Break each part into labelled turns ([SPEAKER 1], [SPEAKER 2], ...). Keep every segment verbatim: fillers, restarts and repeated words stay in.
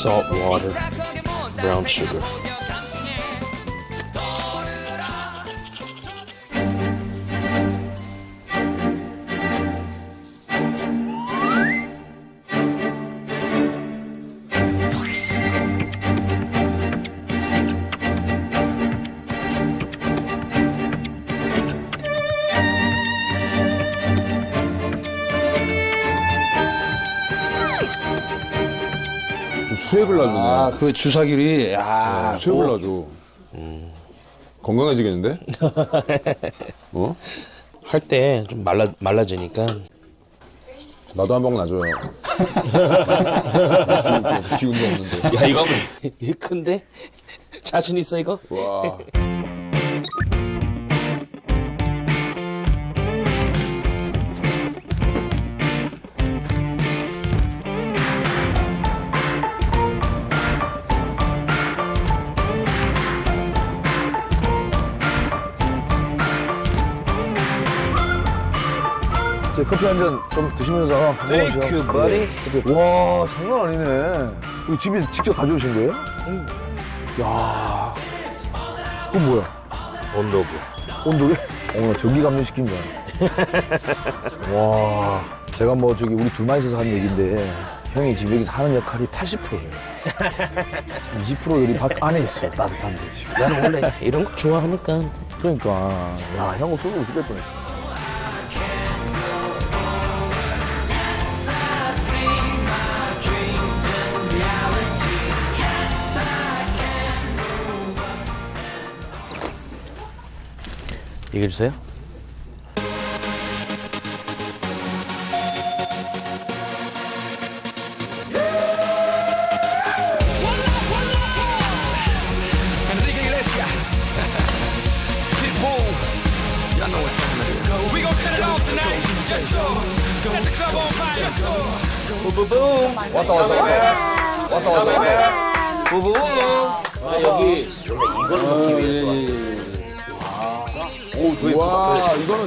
[SPEAKER 1] salt water, brown sugar.
[SPEAKER 2] 수액을 놔주네.
[SPEAKER 3] 아, 그 주사기리, 야.
[SPEAKER 2] 네, 수액을 놔줘. 음. 건강해지겠는데? 어?
[SPEAKER 1] 할 때 좀 말라, 말라지니까.
[SPEAKER 2] 나도 한 방 놔줘요. 기운도 없는데.
[SPEAKER 1] 야, 이거, 이거 큰데? 자신 있어, 이거?
[SPEAKER 2] 와.
[SPEAKER 3] 제 커피 한 잔 좀 드시면서
[SPEAKER 1] Thank you, buddy.
[SPEAKER 3] 와, 장난 아니네. 이거 집에 직접 가져오신 거예요? 응. 야, 그건 뭐야?
[SPEAKER 1] 온도계.
[SPEAKER 3] 온도계? 어, 나 전기 감전시킨 줄 알아. 와, 제가 뭐 저기 우리 둘만 있어서 하는 얘기인데 형이 지금 여기서 하는 역할이 팔십 퍼센트예요. 이십 퍼센트 여기 밖 안에 있어, 따뜻한데 지금.
[SPEAKER 1] 나는 원래 이런 거 좋아하니까.
[SPEAKER 3] 그러니까, 야, 형 없어서 죽을 뻔했어.
[SPEAKER 1] 얘기해 주세요. 부부붐.
[SPEAKER 3] 왔다, 왔다. 왔다, 왔다.
[SPEAKER 1] 부부붐. 아, 여기 원래 이걸 먹기 위해서.
[SPEAKER 2] 오, 되게 와, 이거는.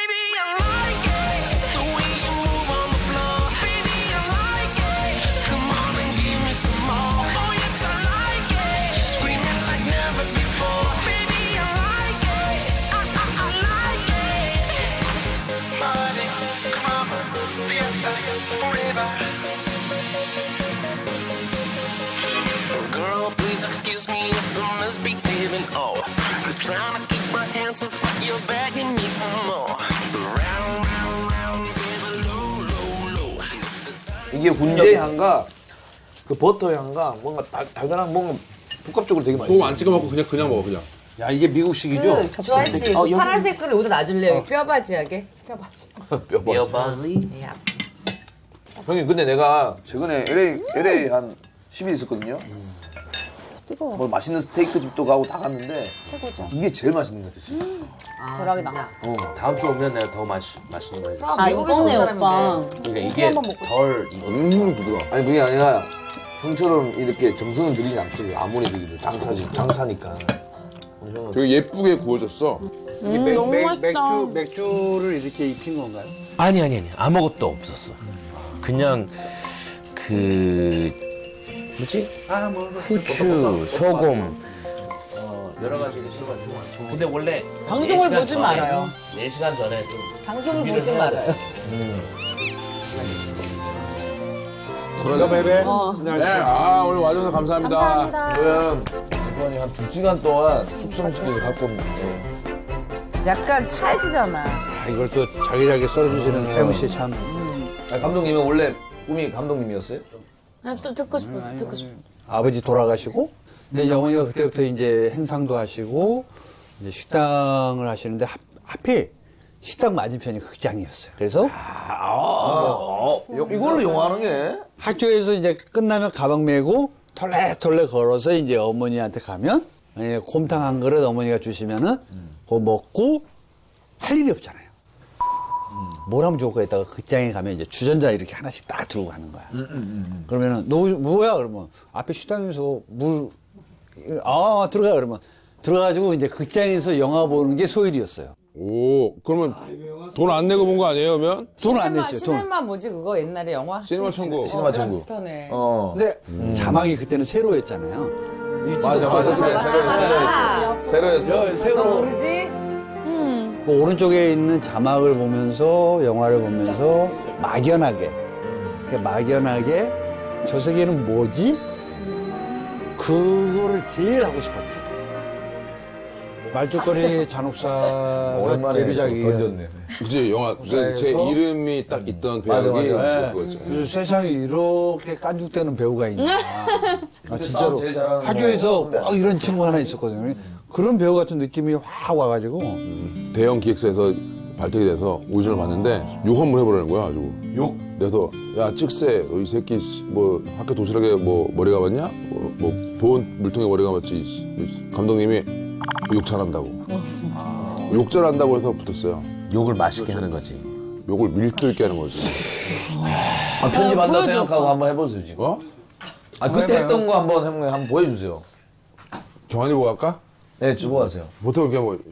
[SPEAKER 4] Girl, please excuse me if I'm misbehaving. Oh, you're trying to keep my hands off, but you're begging me for more. Round, round, round, baby, low, low, low.
[SPEAKER 3] 이게 훈제 향과 그 버터 향과 뭔가 달, 달달한 뭔가 복합적으로 되게 맛있어.
[SPEAKER 2] 소금 안 찍어 먹고 그냥 그냥 먹어 그냥.
[SPEAKER 3] 야, 이게 미국식이죠?
[SPEAKER 5] 그, 조아 씨,
[SPEAKER 1] 어, 여기-
[SPEAKER 5] 파란색 거를 여기다 놔줄래요? 어. 뼈바지하게. 뼈바지.
[SPEAKER 3] 뼈
[SPEAKER 1] 여바지.
[SPEAKER 5] 야.
[SPEAKER 3] 형님, 근데 내가 최근에 엘에이, 엘에이 한 십 일 있었거든요.
[SPEAKER 6] 뜨거워.
[SPEAKER 3] 뭐 맛있는 스테이크 집도 가고 다 갔는데
[SPEAKER 6] 최고죠.
[SPEAKER 3] 이게 제일 맛있는 것 같아, 진짜.
[SPEAKER 5] 아,
[SPEAKER 6] 대박이다.
[SPEAKER 5] 진짜.
[SPEAKER 3] 어.
[SPEAKER 1] 다음 주 오면 내가 더 맛, 맛있는 거 해줄게.
[SPEAKER 6] 아, 이거네, 오빠.
[SPEAKER 1] 그러니까 이게 덜 익었어.
[SPEAKER 2] 음, 부드러워.
[SPEAKER 3] 아니, 그게 아니라 형처럼 이렇게 정성을 들이지 않거든요. 아무리 들이도 장사지, 장사니까.
[SPEAKER 2] 되게 예쁘게 구워졌어.
[SPEAKER 6] 음, 너무 맛있다.
[SPEAKER 7] 맥주를 이렇게 익힌 건가요?
[SPEAKER 1] 아니, 아니, 아니. 아무것도 없었어. 그냥 그 뭐지?
[SPEAKER 7] 아, 뭐,
[SPEAKER 1] 후추, 소금, 어, 여러 가지를 씹어주고. 근데 원래
[SPEAKER 5] 방송을 보지 말아요.
[SPEAKER 1] 네 시간 전에 좀
[SPEAKER 5] 방송을 보지 말아요.
[SPEAKER 2] 그러자
[SPEAKER 7] 베베.
[SPEAKER 6] 어.
[SPEAKER 2] 네, 아 오늘 와줘서 감사합니다.
[SPEAKER 6] 감사합니다.
[SPEAKER 3] 지금 이번에 한 두 시간 동안 숙성시켜서 갖고 왔는데
[SPEAKER 5] 약간 찰지잖아.
[SPEAKER 7] 아, 이걸 또 잘게잘게 썰어주시는 태무 씨 참.
[SPEAKER 3] 아, 감독님은 원래 꿈이 감독님이었어요?
[SPEAKER 6] 아, 또 듣고 싶었어, 듣고 싶어.
[SPEAKER 7] 아버지 돌아가시고, 근데 이제 어머니가 그때부터 이제 행상도 하시고, 이제 식당을 하시는데, 하, 하필 식당 맞은편이 극장이었어요. 그래서
[SPEAKER 3] 어, 이걸로 영화하는 게?
[SPEAKER 7] 학교에서 이제 끝나면 가방 메고 털레털레 걸어서 이제 어머니한테 가면, 만약에 곰탕 한 그릇 어머니가 주시면은, 그거 먹고 할 일이 없잖아요. 뭘 하면 좋을까 했다가 극장에 가면 이제 주전자 이렇게 하나씩 딱 들고 가는 거야.
[SPEAKER 3] 음, 음, 음.
[SPEAKER 7] 그러면은, 너 뭐야? 그러면 앞에 식당에서 물, 아, 들어가. 그러면 들어가가지고 이제 극장에서 영화 보는 게 소일이었어요.
[SPEAKER 2] 오, 그러면 돈 안 내고 본 거 아니에요, 그러면?
[SPEAKER 7] 돈 안
[SPEAKER 5] 시네마,
[SPEAKER 7] 냈죠, 돈.
[SPEAKER 5] 시네마 뭐지 그거 옛날에 영화?
[SPEAKER 2] 시네마 천국.
[SPEAKER 3] 시네마
[SPEAKER 5] 그랑
[SPEAKER 3] 천국.
[SPEAKER 5] 비슷하네.
[SPEAKER 3] 어.
[SPEAKER 7] 근데 자막이 그때는 세로였잖아요.
[SPEAKER 3] 맞아, 맞아. 새- 새로였어. 새로였어.
[SPEAKER 7] 저 세로.
[SPEAKER 5] 모르지?
[SPEAKER 7] 그 오른쪽에 있는 자막을 보면서 영화를 보면서 막연하게 그 막연하게 저 세계는 뭐지? 그거를 제일 하고 싶었지. 말죽거리 잔혹사가
[SPEAKER 3] 오랜만에
[SPEAKER 7] 데뷔작이에요.
[SPEAKER 3] 던졌네.
[SPEAKER 2] 그치, 영화. 제, 제 이름이 딱 있던
[SPEAKER 3] 맞아,
[SPEAKER 2] 배역이
[SPEAKER 3] 맞아.
[SPEAKER 2] 그거였죠.
[SPEAKER 7] 그래서 세상에 이렇게 깐죽대는 배우가 있나. 아, 진짜로.
[SPEAKER 3] 제일 잘하는
[SPEAKER 7] 학교에서 꼭 이런 친구 하나 있었거든요. 그런 배우 같은 느낌이 확 와가지고.
[SPEAKER 2] 대형 기획사에서 발탁이 돼서 오디션을 봤는데 욕 한 번 해보라는 거야, 아주. 욕? 그래서, 야, 찍새, 이 새끼, 씨, 뭐, 학교 도시락에 뭐, 머리 감았냐? 뭐, 뭐 보온 물통에 머리 감았지. 감독님이 욕 잘한다고. 욕 잘한다고 해서 붙었어요.
[SPEAKER 1] 욕을 맛있게 하는 거지.
[SPEAKER 2] 욕을 밀들게 하는 거지.
[SPEAKER 3] 아, 편집한다 생각하고 한번 해보세요, 지금.
[SPEAKER 2] 어?
[SPEAKER 3] 아, 그때 했던 거 한번, 형님, 한번 보여주세요.
[SPEAKER 2] 정한이 보고 할까?
[SPEAKER 3] 네, 주보하세요.
[SPEAKER 2] 보통 이렇게 뭐,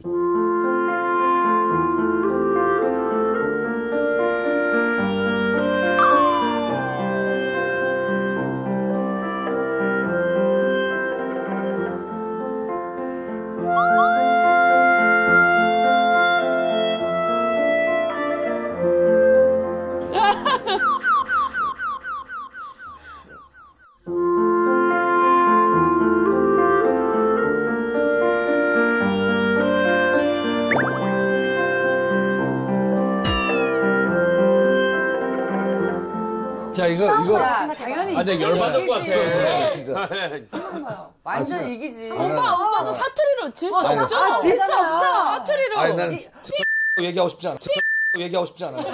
[SPEAKER 7] 자, 이거, 이거.
[SPEAKER 5] 야, 당연히
[SPEAKER 2] 아, 내가 열받을 것 같아.
[SPEAKER 5] 완전 이기지.
[SPEAKER 6] 오빠, 오빠 저 사투리로 질 수 없죠?
[SPEAKER 5] 아, 질 수 없어.
[SPEAKER 6] 사투리로.
[SPEAKER 3] 아니, 난 얘기하고 싶지 않아. 얘기하고 싶지 않아요.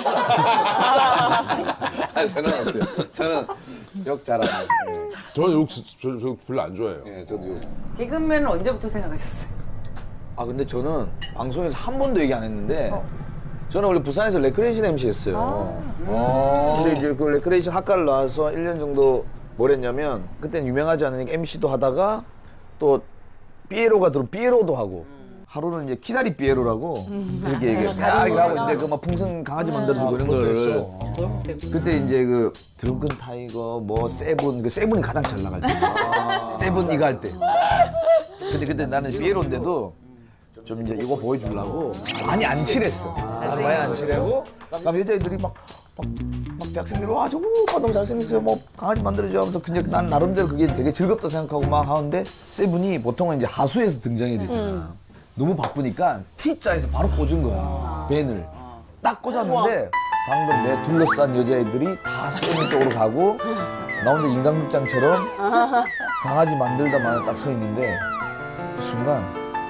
[SPEAKER 3] 아니, 저는 어때요? 저는 욕 잘하는.
[SPEAKER 2] 저는 욕, 저, 저, 저 별로 안 좋아해요.
[SPEAKER 3] 예, 저도 욕.
[SPEAKER 5] 개그맨은 언제부터 생각하셨어요?
[SPEAKER 3] 아, 근데 저는 방송에서 한 번도 얘기 안 했는데, 저는 원래 부산에서 레크레이션 엠씨 했어요. 근데 이제 그 레크레이션 학과를 나와서 일 년 정도 뭘 했냐면, 그때는 유명하지 않으니까 엠씨도 하다가, 또, 삐에로가 들어, 삐에로도 하고, 하루는 이제 키다리 삐에로라고, 이렇게 얘기해. 야, 이거 하고 있는데, 그 막 풍선 강아지 만들어주고 이런 거를. 그때 이제 그, 드렁큰 타이거, 뭐, 세븐, 그 세븐이 가장 잘 나갈 때. 세븐 이거 할 때. 근데 그때 나는 삐에로인데도, 좀 이제 이거 보여주려고 많이 안 칠했어. 많이 안 칠하고, 그럼 여자애들이 막, 막, 막 대학생들이 와, 저거 오빠 너무 잘생겼어요. 뭐 강아지 만들어줘 하면서 근데 난 나름대로 그게 되게 즐겁다 생각하고 막 하는데 세븐이 보통은 이제 하수에서 등장해야 되잖아. 너무 바쁘니까 T자에서 바로 꽂은 거야. 밴을. 딱 꽂았는데 방금 내 둘러싼 여자애들이 다 세븐 쪽으로 가고 나 혼자 인간극장처럼 강아지 만들다 마냥 딱 서 있는데 그 순간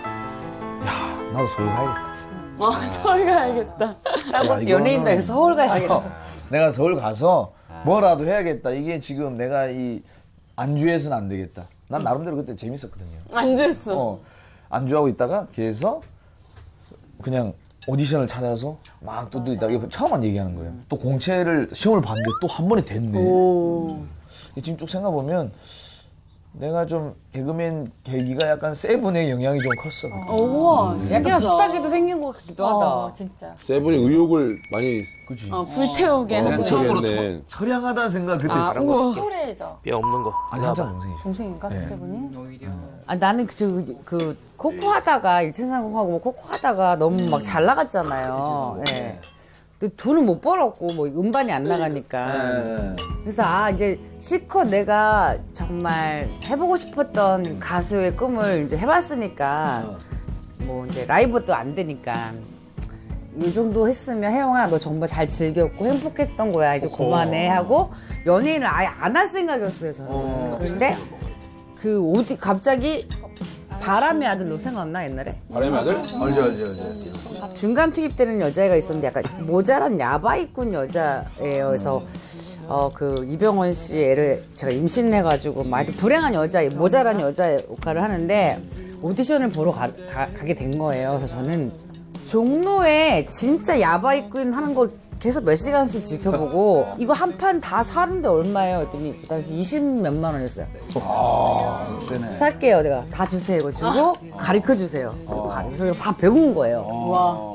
[SPEAKER 3] 야, 나도 서울 가야겠다.
[SPEAKER 6] 어, 서울 가야겠다.
[SPEAKER 3] 야, 이거는-
[SPEAKER 5] 연예인들 해서 서울 가야겠다.
[SPEAKER 3] 어, 내가 서울 가서 뭐라도 해야겠다. 이게 지금 내가 이 안주해서는 안 되겠다. 난 나름대로 그때 재밌었거든요.
[SPEAKER 6] 안주했어.
[SPEAKER 3] 어, 안주하고 있다가 걔에서 그냥 오디션을 찾아서 막 또 있다가 이거 처음만 얘기하는 거예요. 또 공채를 시험을 봤는데 또 한 번에 됐네.
[SPEAKER 6] 오.
[SPEAKER 3] 지금 쭉 생각해보면 내가 좀 개그맨 계기가 약간 세븐의 영향이 좀 컸어.
[SPEAKER 6] 어, 우와, 신기하다.
[SPEAKER 5] 약간 비슷하기도 생긴 것 같기도 하다.
[SPEAKER 6] 어, 진짜.
[SPEAKER 2] 세븐이 의욕을 많이
[SPEAKER 3] 그치.
[SPEAKER 6] 어, 불태우게.
[SPEAKER 2] 어,
[SPEAKER 6] 하는.
[SPEAKER 2] 처음으로 했네.
[SPEAKER 3] 처량하다는 생각 그때
[SPEAKER 6] 아,
[SPEAKER 3] 들었어.
[SPEAKER 6] 우와.
[SPEAKER 1] 뼈 없는 거.
[SPEAKER 3] 아니, 한참 동생이죠.
[SPEAKER 5] 동생인가? 세븐이? 아, 나는 그, 저, 그, 코코 하다가, 일진상공하고 뭐 코코 하다가 너무 막 잘 나갔잖아요. 예. 근데 돈을 못 벌었고, 뭐 음반이 안 나가니까.
[SPEAKER 3] 네.
[SPEAKER 5] 그래서 아, 이제 실컷 내가 정말 해보고 싶었던 가수의 꿈을 이제 해봤으니까, 뭐 이제 라이브도 안 되니까. 이 정도 했으면 혜영아 너 정말 잘 즐겼고 행복했던 거야 이제 그만해 하고 연예인을 아예 안 할 생각이었어요 저는. 그런데 그 어디 갑자기 바람의 아들 너 생각나 옛날에?
[SPEAKER 2] 바람의 아들?
[SPEAKER 3] 알죠, 알죠, 알죠.
[SPEAKER 5] 중간 투입되는 여자애가 있었는데 약간 모자란 야바이꾼 여자예요. 그래서 어 그 이병헌 씨 애를 제가 임신해가지고 막 불행한 여자, 모자란 여자 역할을 하는데 오디션을 보러 가, 가, 가게 된 거예요. 그래서 저는 종로에 진짜 야바이꾼 하는 걸 계속 몇 시간씩 지켜보고 이거 한 판 다 사는데 얼마예요? 했더니 그 당시 이십 몇만 원이었어요.
[SPEAKER 3] 아, 세네.
[SPEAKER 5] 살게요. 내가 다 주세요. 이거 주고 가르쳐 주세요. 그리고 가르쳐 다 배운 거예요.
[SPEAKER 6] 와.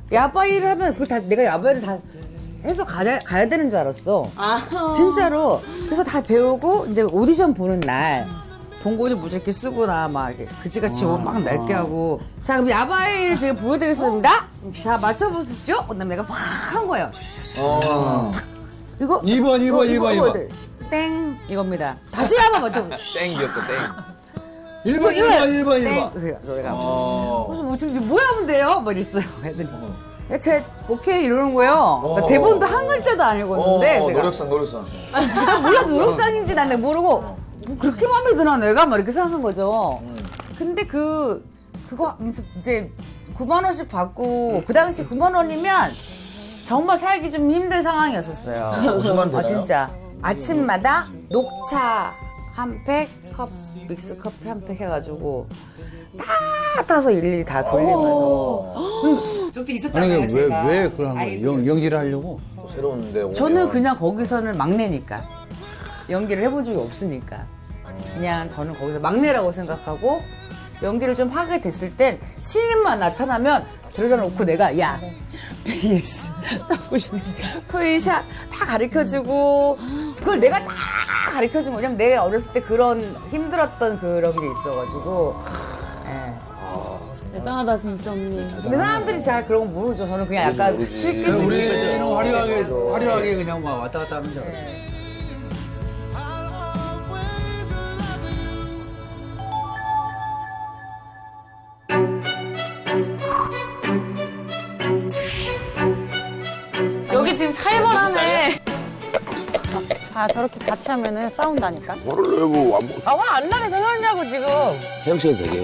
[SPEAKER 5] 야바이를 하면 그걸 다 내가 야바이를 다 해서 가야, 가야 되는 줄 알았어.
[SPEAKER 6] 아.
[SPEAKER 5] 진짜로. 그래서 다 배우고 이제 오디션 보는 날 본고지 무조건 쓰거나 막 이렇게 그지같이 옷 막 낡게 하고 자 그럼 야바이를 지금 보여드리겠습니다. 자 맞춰보십시오. 그다음에 내가 막 한 거예요.
[SPEAKER 1] 어.
[SPEAKER 5] 이거
[SPEAKER 7] 이 번, 이 번, 이 번, 이 번.
[SPEAKER 5] 보여드릴- 땡 이겁니다. 다시 한번 맞춰보십시오.
[SPEAKER 1] 땡기였다 땡.
[SPEAKER 7] 일 번, 일 번, 일 번, 일
[SPEAKER 5] 땡.
[SPEAKER 7] 번.
[SPEAKER 5] 그래서 내가
[SPEAKER 1] 어.
[SPEAKER 5] 그래서 뭐 지금 뭐 하면 돼요? 막 이랬어요. 애들이. 야, 쟤 오케이 이러는 거예요. 그러니까 대본도 한 글자도 안 읽었는데
[SPEAKER 1] 어,
[SPEAKER 5] 제가
[SPEAKER 1] 노력상 노력상.
[SPEAKER 5] 나 몰라도 노력상인지 나는 모르고 뭐 그렇게 마음에 드나 내가 막 이렇게 생각한 거죠. 근데 그 그거 하면서 이제 구만 원씩 받고 그 당시 구만 원이면 정말 살기 좀 힘든 상황이었었어요.
[SPEAKER 1] 오십만 원 되나요?
[SPEAKER 5] 아 진짜 아침마다 녹차 한 팩, 컵 믹스 커피 한 팩 해가지고 다 타서 일일이 다 돌리면서. 음, 저때 있었잖아요.
[SPEAKER 7] 아니, 왜,
[SPEAKER 5] 제가.
[SPEAKER 7] 왜 그걸 한
[SPEAKER 5] 아이디어.
[SPEAKER 7] 거예요? 연, 연기를 하려고?
[SPEAKER 1] 새로운데 오면.
[SPEAKER 5] 저는 그냥 거기서는 막내니까 연기를 해본 적이 없으니까 그냥 저는 거기서 막내라고 생각하고 연기를 좀 하게 됐을 땐 신인만 나타나면 들여다 놓고 내가 야 비에스, 더블유에스, 풀샷 다 가르쳐주고 그걸 내가 다 가르쳐준 거 왜냐면 내가 어렸을 때 그런 힘들었던 그런 게 있어가지고 예.
[SPEAKER 6] 대단하다 진짜 언니.
[SPEAKER 5] 근데 사람들이 잘 그런 거 모르죠. 저는 그냥 약간 쉽게 쉽게
[SPEAKER 7] 우리는 화려하게, 화려하게 그냥 막 왔다 갔다 하면 줄 알았어요.
[SPEAKER 6] 여기 지금 살벌하네.
[SPEAKER 8] 자, 저렇게 같이 하면은 싸운다니까.
[SPEAKER 2] 화를 내고 안 먹.
[SPEAKER 5] 아, 화 안 나게 생겼냐고, 지금.
[SPEAKER 1] 혜영 씨는 되게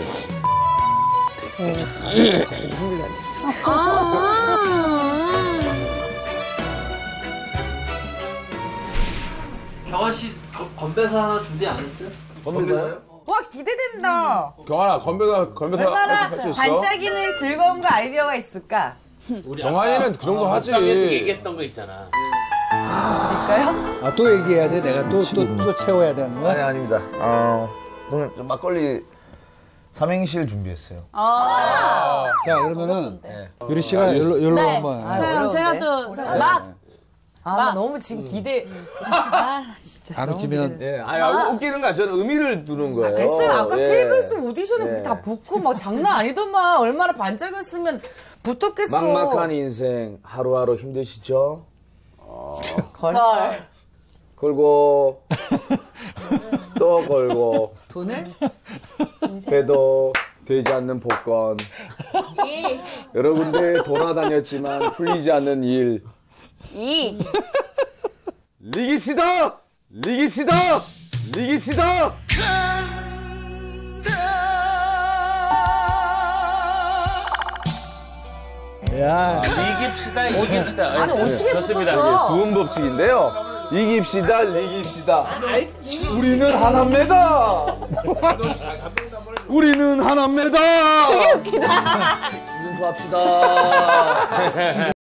[SPEAKER 9] 경환 씨 거- 건배사 하나 준비 안 했어요?
[SPEAKER 1] 건배사요?
[SPEAKER 5] 와, 기대된다.
[SPEAKER 2] 경환아 건배사 건배사
[SPEAKER 5] 얼마나
[SPEAKER 2] 할 수 있어?
[SPEAKER 5] 반짝이는 즐거움과 아이디어가 있을까?
[SPEAKER 2] 경환이는 그 정도 하지.
[SPEAKER 9] 얘기했던 거 있잖아.
[SPEAKER 5] 그럴까요?
[SPEAKER 7] 아, 또 얘기해야 돼? 내가 또, 또, 또 채워야 되는
[SPEAKER 1] 아니
[SPEAKER 7] 거야?
[SPEAKER 1] 아닙니다. 어, 저는 좀 막걸리 삼행시를 준비했어요.
[SPEAKER 7] 자, 그러면은, 유리 씨가 열로, 열로
[SPEAKER 6] 네.
[SPEAKER 7] 한번.
[SPEAKER 6] 자, 그럼 제가 또 맛.
[SPEAKER 5] 아, 나 너무 지금 기대. 아, 진짜.
[SPEAKER 7] 안
[SPEAKER 5] 너무
[SPEAKER 7] 웃기면.
[SPEAKER 5] 기대.
[SPEAKER 1] 예, 아니 아, 웃기는 거야. 저는 의미를 두는 거예요.
[SPEAKER 5] 됐어요. 아까
[SPEAKER 1] 예.
[SPEAKER 5] 케이비에스 오디션은
[SPEAKER 1] 예.
[SPEAKER 5] 그렇게 다 붙고 막 장난 아니더만. 얼마나 반짝였으면 붙었겠어.
[SPEAKER 1] 막막한 인생 하루하루 힘드시죠?
[SPEAKER 5] 걸.
[SPEAKER 6] 걸.
[SPEAKER 1] 걸고 또 걸고
[SPEAKER 5] 돈을?
[SPEAKER 1] 배도 되지 않는 복권
[SPEAKER 6] 이.
[SPEAKER 1] 여러 군데 돌아다녔지만 풀리지 않는 일
[SPEAKER 6] 이.
[SPEAKER 1] 리기시다! 리기시다! 리기시다!
[SPEAKER 7] 야,
[SPEAKER 9] 이깁시다, 이깁시다.
[SPEAKER 5] 아니, 어떻게
[SPEAKER 9] 좋습니다.
[SPEAKER 5] 붙었어?
[SPEAKER 1] 구분 법칙인데요. 이깁시다, 리깁시다. 우리는 하나입니다. 우리는 하나입니다. 되게 웃기다. 합시다.